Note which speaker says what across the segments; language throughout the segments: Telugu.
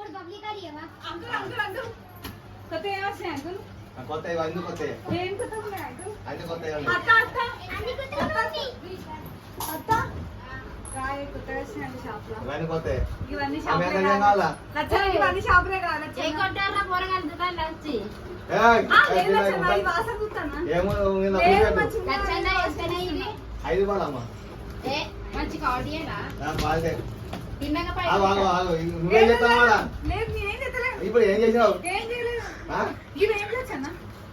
Speaker 1: కొత్త ఏమొచ్చాయి అంకుల్?
Speaker 2: కొత్త అన్ని కొత్త
Speaker 1: ఏం కొత్త ఉన్నాయి అంకుల్?
Speaker 2: అన్ని కొత్త
Speaker 1: అత్త అత్త అత్త రాయ కొత్తగా వచ్చినాయండి షాప్ లో.
Speaker 2: ఇవన్నీ కొత్త
Speaker 1: ఇవన్నీ
Speaker 2: ఆమె
Speaker 1: షాపులే
Speaker 2: ఏం
Speaker 1: కాదు.
Speaker 2: కావాలా?
Speaker 1: లచ్చన్న, ఇవన్నీ షాపులే కాదు లచ్చన్న.
Speaker 2: ఏయ్,
Speaker 1: లేదు లచ్చన్న, ఈ వాసన చూస్తానా?
Speaker 2: ఏమో మీద
Speaker 1: లేదు
Speaker 2: పెట్టు.
Speaker 1: మంచిగా ఉన్నాయి.
Speaker 2: 5 రూపాయలు అమ్మా
Speaker 3: మంచి కావడియేనా
Speaker 2: బాగా
Speaker 3: తిన్నాక పై
Speaker 2: ఆగు ఆగు ఆగు నువ్వేం చెప్తావు వాడా
Speaker 1: లేదు నేనేం చేస్తలేను.
Speaker 2: ఇప్పుడు ఏం చేసినావు
Speaker 1: ఏం చేయలేదు.
Speaker 2: ఆ?
Speaker 1: ఇవేం లచ్చన్న?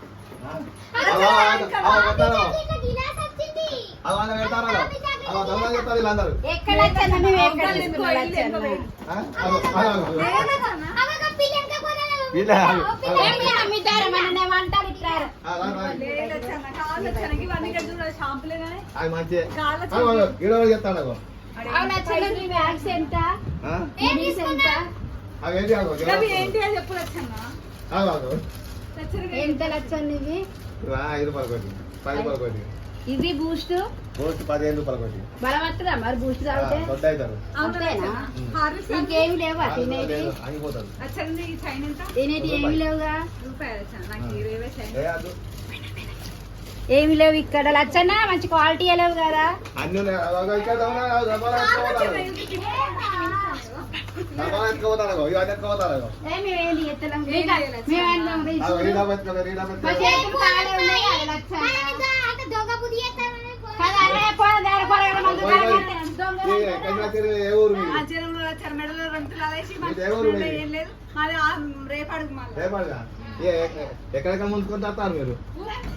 Speaker 2: అలా పెడతారు అలా దొంగ చెప్తారు వీళ్ళందరూ
Speaker 3: ఎక్కడ లచ్చన్న మేము ఎక్కడ తీసుకున్నాం లచ్చన్న
Speaker 2: ఆ? ఆగు, ఆగు, ఆగు.
Speaker 1: లేదు లచ్చన్న.
Speaker 2: వీళ్ళే ఆగు, ఆగు.
Speaker 3: ఏమి అమ్మితారు మన వంటలు ఇట్టారు
Speaker 2: ఆగు, ఆగు, ఆగు.
Speaker 1: లేదు లచ్చన్న, కావాలి లచ్చన్న. ఇవన్నీ ఇక్కడ చూడ షాంపులే కానీ
Speaker 2: అది మంచిదే
Speaker 1: కాళ్ళ
Speaker 2: ఆగు, ఆగు. ఈడ ఎవరు చెప్తాడు ఆగు.
Speaker 3: అవును లచ్చన్న నీ బ్యాగ్స్ ఎంత
Speaker 2: ఆ?
Speaker 3: నీస్ ఎంత
Speaker 2: అవి ఏంటి ఆగు,
Speaker 1: అవి ఏంటి అని చెప్పు లచ్చన్న.
Speaker 2: ఆగు, ఆగు.
Speaker 1: లచ్చన్న
Speaker 3: ఎంత లచ్చన్న ఇవి
Speaker 2: ఇవా 5 రూపాయలు కొట్టి 10 రూపాయలు కొట్టి
Speaker 3: ఇది బూస్ట్
Speaker 2: పోస్ట్ 15 రూపాయలు కొట్టి
Speaker 3: బలవత్తదా మరి బూస్ట్ తాగితే
Speaker 2: దొడ్డ అవుతారు
Speaker 1: అవునా
Speaker 3: అంతేనా?
Speaker 1: లచ్చన్న? హార్లిక్స్
Speaker 3: ఇంకేమి లేవా తినేటి
Speaker 2: ఆగిపోతారు
Speaker 1: లచ్చన్న, ఈ చైన్ ఎంత?
Speaker 3: తినేటి ఏమి లేవుగా
Speaker 1: రూపాయలు లచ్చన్న. నాకు 20 చైన్.
Speaker 2: ఏ అద్దు.
Speaker 3: ఏమి లేవు ఇక్కడ లచ్చన్న మంచి క్వాలిటీ లేవు కదా
Speaker 2: అన్ని ఉన్నాయి. అగో ఇక్కడ దొంగ, అగో దొంగలు ఎత్తుకుపోతారు. దొంగలు ఎత్తుకుపోతారు అగో. ఇవన్నీ ఎత్తుకుపోతారు అగో.
Speaker 3: మేమేంది ఎత్తలేం
Speaker 1: ఏం చేయాలి లచ్చన్న?
Speaker 2: అగో ఈ డబ్బు ఎత్తుకోరు, ఈ డబ్బు
Speaker 3: మా
Speaker 2: ఎత్తుకోరు.
Speaker 3: చేతులు కాలే ఉన్నాయి కదా లచ్చన్న కదా అరే పోరా దారి పోరా మందు
Speaker 2: ఏ, ఎక్కడి నుంచి వచ్చారు? ఏ ఊరు మీది?
Speaker 1: ఆ చెరువులో లచ్చన్న మెడలో 2 తులాలు వేసి మా
Speaker 2: ఇది ఎవరు
Speaker 1: చెరువులో
Speaker 2: మీది?
Speaker 1: ఏం లేదు. మాది రేపు అడుగు మళ్ళీ.
Speaker 2: రేపటిగా? ఎక్కడెక్కడ ముందుకొని వస్తారు మీరు?